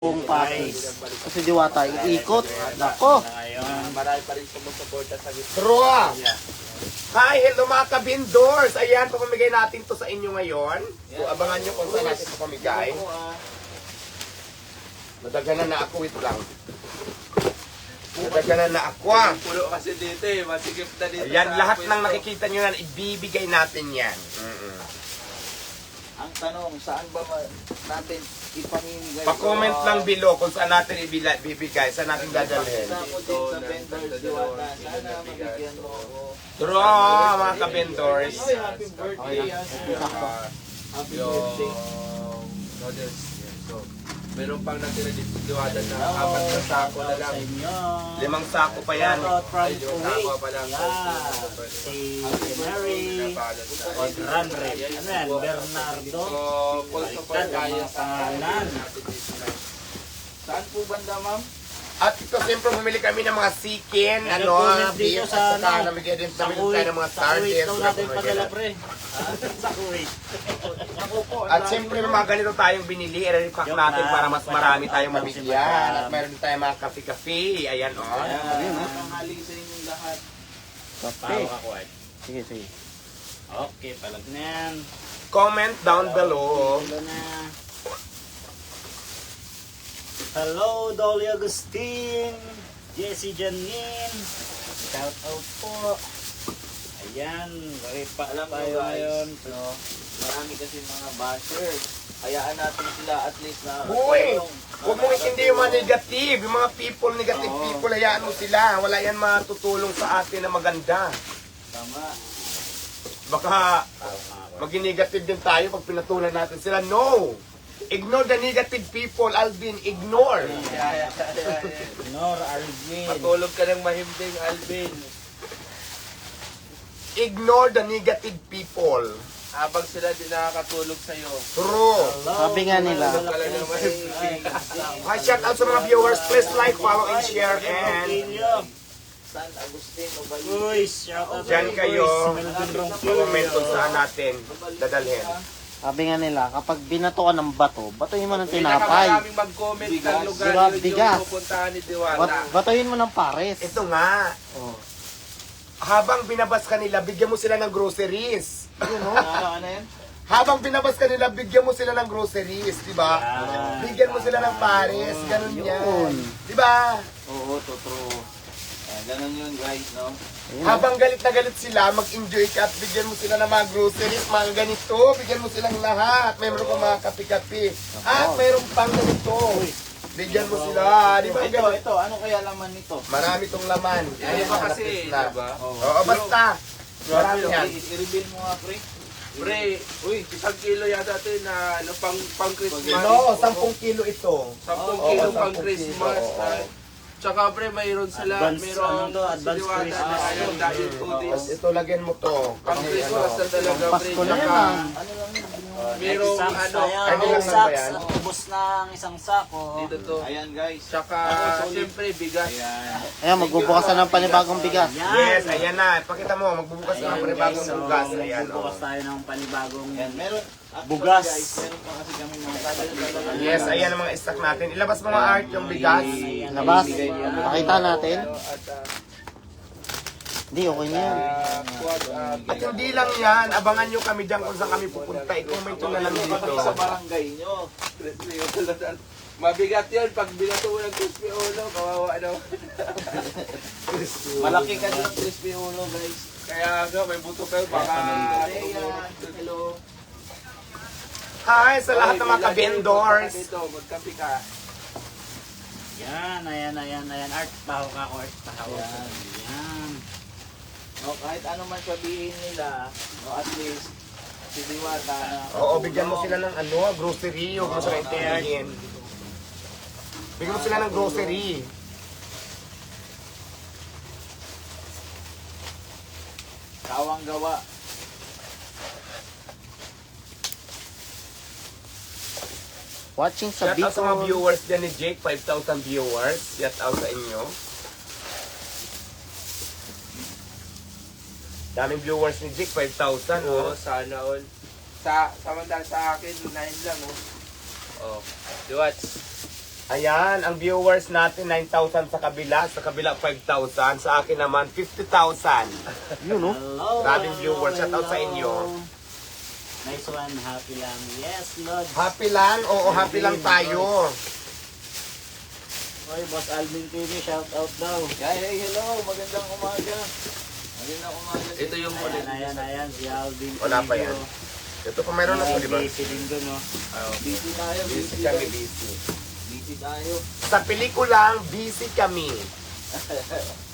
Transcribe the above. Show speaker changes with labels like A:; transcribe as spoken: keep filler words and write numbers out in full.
A: Buong Pasig. Kasi Diwata, iikot. Nako.
B: Marami pa rin sumusuporta sa gitna.
C: True! Hi, hello mga kabindors! Ayan, pamamigay natin to sa inyo ngayon. So, abangan nyo kung saan natin ito pamigay. Nadaganan na ako, wait lang. Nadaganan na ako, ah.
B: Pulo kasi dito eh, masigip na dito.
C: Ayan,
B: sa
C: lahat
B: pwesto.
C: ng nakikita nyo na, ibibigay natin yan. Mm-mm.
B: Ang tanong, saan ba ma- natin ipamimigay?
C: Pa-comment lang below kung saan natin ibila- ibibigay, saan natin dadalhin.
B: Sa ako din sa vendors, Diwata. Sana mabigyan mo ako.
C: True, mga kabindors.
B: Ay, happy birthday. ah. Happy birthday. Noodles. So, meron pang natira dito Diwata na apat na sako na lang.
C: Limang sako pa yan.
A: Shoutout from
B: Ay, yung sako
A: Kuwait.
B: pa lang.
A: Yan. Si Mary. Odranre. Ano yan? Bernardo.
B: So, full support
A: Baliktad ang
B: tayo
A: mga
B: sa
A: pangalan.
B: natin dito na. Saan po banda, ma'am?
C: At ito, siyempre, bumili kami ng mga chicken,
A: Meron
C: ano,
A: po ulit
C: beef,
A: dito
C: at
A: sa,
C: saka
A: ano,
C: namigay din
A: Sa
C: kami
A: Kuwait.
C: tayo ng mga
A: Sa Kuwait
C: sardines.
A: daw natin padala, pre. Sa Kuwait.
B: Ako po. ang
C: At
B: dami
C: siyempre,
B: mo.
C: may mga ganito tayong binili, i-repack
A: Joke
C: natin
A: lang.
C: para mas marami tayong
A: Joke
C: mabigyan.
A: lang.
C: At meron din tayong mga kafe-kafe. Ayan, oh.
B: Ayan, tanghali sa inyong lahat.
A: Pao ako eh. Sige, sige. Okay, palag na yan.
C: Comment down below.
A: Hello na. Hello, Dolly Agustin. Jessie Janine. Shout out po. Ayan, ripa
B: Alam mo,
A: tayo
B: guys,
A: ngayon.
B: no, marami kasi mga bashers. Hayaan natin sila at least na
C: Uy!
B: nakatulong.
C: Huwag mo hindi yung mga negative. Yung mga people, negative
B: Oo.
C: people, hayaan mo sila. Wala yan matutulong sa atin na maganda.
B: Tama.
C: Baka maging negative din tayo pag pinatulan natin sila. No! Ignore the negative people, Alvin. Ignore.
B: Kaya, kaya, kaya.
A: Nor Alvin.
B: Matulog ka ng mahimbing, Alvin.
C: Ignore the negative people.
B: Habang sila din nakakatulog sa'yo.
C: True.
A: Hello,
D: Sabi nga nila.
B: Tulog ka lang ng mahimbing.
C: Hi, shout out sa mga viewers. Please like, follow, and share. And
B: San Agustin, Ubayi.
A: Uy, shout out
C: Diyan
A: to
C: kayo.
A: Boys, Melvin Ronquillo.
C: comment kung saan natin dadalhin.
D: Sabi nga nila, kapag binato ka ng bato, batuhin mo ng tinapay.
B: Pinakamaraming mag-comment ng lugar
D: Diba,
B: yun
D: bigas.
B: yung pupuntahan ni Diwata.
D: Bat- batuhin mo ng pares.
C: Ito nga.
D: Oh.
C: Habang binabas ka nila, bigyan mo sila ng groceries. Yun, no?
B: Ano, ano yan?
C: Habang binabas ka nila, bigyan mo sila ng groceries, di ba?
A: Yan.
C: Bigyan mo sila ng pares, ganun yan.
D: Yun.
C: Di ba?
B: Oo, totoo. Eh, ganun yun guys, no?
D: Ayun,
C: Habang galit na galit sila, mag-enjoy ka at bigyan mo sila ng mga groceries, mga ganito, bigyan mo silang lahat. Mayroon pa mga kape-kape. At mayroon pang ganito. Bigyan mo sila, di ba?
B: Ito,
C: Ganun.
B: ito, ano kaya laman nito?
C: Marami tong laman.
B: Ano ba kasi,
C: na.
B: diba?
C: Oo, basta. Marami yan.
B: I-reveal mo nga, pre. Pre, uy, isang kilo yata ito na ano, pang, pang Christmas.
C: No, sampung kilo ito.
B: Sampung
C: Oo,
B: kilo
C: sampung
B: pang Christmas.
C: kilo, oo.
B: ah. Tsaka pre, mayroon sila,
A: Advance,
B: mayroon
A: ano to, advance
B: si Diwata
A: Christmas.
B: na ano, dahil foodies.
C: Tapos ito, lagyan mo to.
B: Pang
C: Kasi
B: Christmas
C: ano,
B: na talaga, pre.
D: Pasko na yan,
B: Tsaka,
D: ah.
B: ano lang yun, mayroong
A: Sacks
B: ano,
A: na yan.
C: ano
A: Two
C: lang ba
A: sacks.
C: yan?
A: Ubus na ang isang sako.
B: dito to. Ayan guys. Tsaka, siyempre, bigas.
D: Ayan, magbubukas na ng panibagong bigas.
A: Yan.
C: Yes, ayan na. Pakita mo, magbubukas na ng
A: Ayan,
C: panibagong
A: guys, so,
C: bugas. Ayan,
A: magbubukas
C: oh.
A: tayo ng panibagong
B: Ayan, meron. Actually,
A: Bugas.
B: Guys, meron pa kasi kami mga talaga.
C: Yes, ayan ang mga stock natin. Ilabas mo nga art yung bigas.
D: Labas. Pakita natin.
B: At, ah,
D: Hindi, okay na yan.
B: ah, quad, ah,
C: At hindi lang yan, abangan nyo kami dyan kung saan kami pupunta. I-comment nyo na lang dito.
B: sa barangay nyo. Crispy ulo. Mabigat yun pag binato mo ng crispy ulo, kawawa daw. Malaki ka ng crispy ulo, guys. Kaya nga, may buto kayo, baka... Hello.
C: Hi sa lahat ng mga
B: Oy,
C: ka-vendors.
B: dito, magkape ka.
A: Yan, ayan, ayan, ayan. Art, pahaw ka ako, art, pahaw.
B: Yan.
A: Yan.
B: No, kahit ano man sabihin nila, no, at least, si Diwata na...
C: Oo, bigyan mo sila ng ano, grocery. Huwag mo sila intindihin. Bigyan mo sila ng grocery.
B: Kawang gawa.
D: Watching sa
C: Shout out sa mga
D: Bicol.
C: viewers dyan ni Jake, five thousand viewers. Shout out sa inyo. Daming viewers ni Jake, five thousand.
B: Oo,
C: Oh.
B: sana all. Sa, samantala sa akin, nine lang, oh. Oh, Diwats.
C: Ayan, ang viewers natin nine thousand sa kabila, sa kabila five thousand, sa akin naman fifty thousand.
D: Yun, no?
E: Hello,
C: Grabing
E: hello,
C: viewers. Shout out sa
E: hello.
C: inyo.
E: Nice one, happy lang. Yes, Lord.
C: Happy lang? Oo, happy lang tayo.
E: Oy, Boss Alvin T V, shout out daw.
F: Hey, hey, hello. Magandang umaga. Magandang umaga.
B: Ito yung
E: Ayan, ayan, ayan, si Alvin T V.
C: Wala pa yan. Ito pa mayroon na po, di ba?
E: Busy din dun, no?
F: Busy tayo,
C: Busy
F: busy
C: kami,
F: tayo.
C: busy.
F: Busy tayo.
C: Sa pelikulang, busy kami.